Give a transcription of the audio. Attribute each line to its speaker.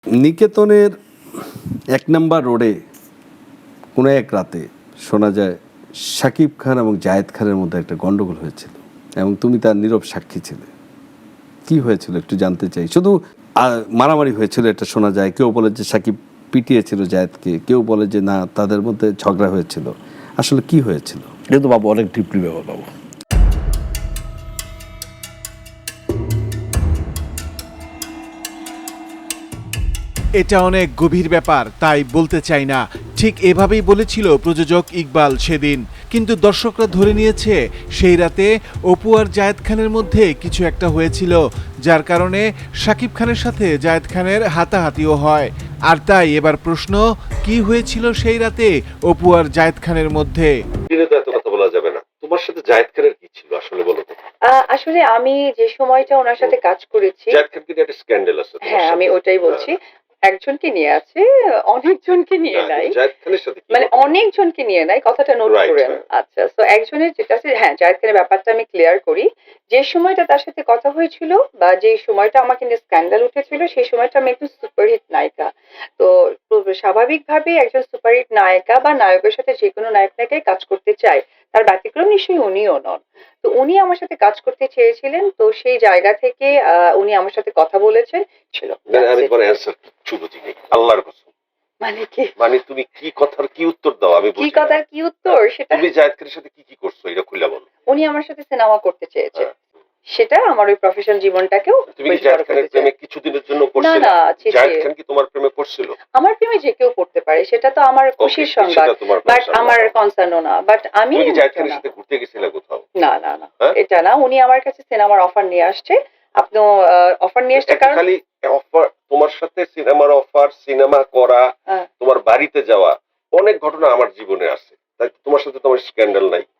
Speaker 1: নিকেতনের ১ নম্বর রোডে কোনো এক রাতে শোনা যায় শাকিব খান এবং জায়েদ খানের মধ্যে একটা গন্ডগোল হয়েছিল এবং তুমি তার নীরব সাক্ষী ছিলে। কি হয়েছিল একটু জানতে চাই। শুধু মারামারি হয়েছিল এটা শোনা যায়, কেউ বলে যে শাকিব পিটিয়েছিল জায়েদকে, কেউ বলে যে না তাদের মধ্যে ঝগড়া হয়েছিল। আসলে কি হয়েছিল?
Speaker 2: এটা তো বাবু অনেক ডিপলি ব্যাপার বাবু।
Speaker 3: এটা অনেক গভীর ব্যাপার, তাই বলতে চাই না। ঠিক এভাবেই বলেছিল প্রযোজক ইকবাল সেদিন, কিন্তু দর্শকরা ধরে নিয়েছে সেই রাতে অপু আর জায়েদ খানের মধ্যে কিছু একটা হয়েছিল, যার কারণে শাকিব খানের সাথে জায়েদ খানের হাতাহাতিও হয়। আর তাই এবার প্রশ্ন, কি হয়েছিল সেই রাতে অপু আর জায়েদ খানের মধ্যে?
Speaker 4: এত কথা বলা যাবে না। তোমার সাথে জায়েদ খানের কি ছিল আসলে বলো তো?
Speaker 5: আসলে আমি যে সময়টা ওনার সাথে কাজ করেছি,
Speaker 4: জায়েদ খান কিন্তু একটা স্ক্যান্ডাল আছে।
Speaker 5: হ্যাঁ আমি ওটাই বলছি। একজনকে নিয়ে আছে, অনেকজনকে নিয়ে নাই,
Speaker 4: জায়েদ খানের সাথে
Speaker 5: মানে অনেকজনকে নিয়ে নাই, কথাটা নোট করেন। আচ্ছা, তো একজনের যেটা আছে, হ্যাঁ জায়েদ খানের ব্যাপারটা আমি ক্লিয়ার করি। যে সময়টা তার সাথে কথা হয়েছিল বা যে সময়টা আমাকে নিয়ে স্ক্যান্ডাল উঠেছিল, সেই সময়টা আমি একটু সুপারহিট নায়িকা। তো স্বাভাবিকভাবে একজন সুপারহিট নায়িকা বা নায়কের সাথে যে কোনো নায়ক নায়িকাই কাজ করতে চায়, তার ব্যতিক্রম নিশ্চয়ই উনিও নন। তো উনি আমার সাথে কাজ করতে চেয়েছিলেন, তো সেই জায়গা থেকে উনি আমার সাথে কথা বলেছেন ছিল।
Speaker 4: আমি তোমার অ্যানসার কিচ্ছু বুঝিনি, আল্লাহর কসম।
Speaker 5: মানে কি,
Speaker 4: মানে তুমি কি কথার কি উত্তর দাও আমি বুঝি
Speaker 5: কি কথার কি উত্তর সেটা?
Speaker 4: তুমি জায়েদ খানের সাথে কি কি করছো এটা খুলে বলো।
Speaker 5: উনি আমার সাথে সিনেমা করতে চেয়েছে, সেটা আমার ওই প্রফেশনাল জীবনটাকেও।
Speaker 4: তুমি কি জায়েদ খানের প্রেমে কিছুদিনের জন্য পড়ছিলে?
Speaker 5: না,
Speaker 4: জায়েদ খান কি তোমার প্রেমে পড়ছিল?
Speaker 5: আমার প্রেমে যে কেউ পড়তে পারে, সেটা তো আমার খুশির সংবাদ, বাট আমার কনসার্নও না। বাট আমি
Speaker 4: তুমি কি জায়েদ খানের সাথে ঘুরতে গেছিলে কোথাও?
Speaker 5: না, এটা না। উনি আমার কাছে সিনেমার অফার নিয়ে আসছে। আপনি অফার নিয়ে আসছে কারণ
Speaker 4: খালি অফার, তোমার সাথে সিনেমার অফার, সিনেমা করা, তোমার বাড়িতে যাওয়া, অনেক ঘটনা আমার জীবনে আছে। তাই তোমার সাথে তোমার স্ক্যান্ডাল নাই?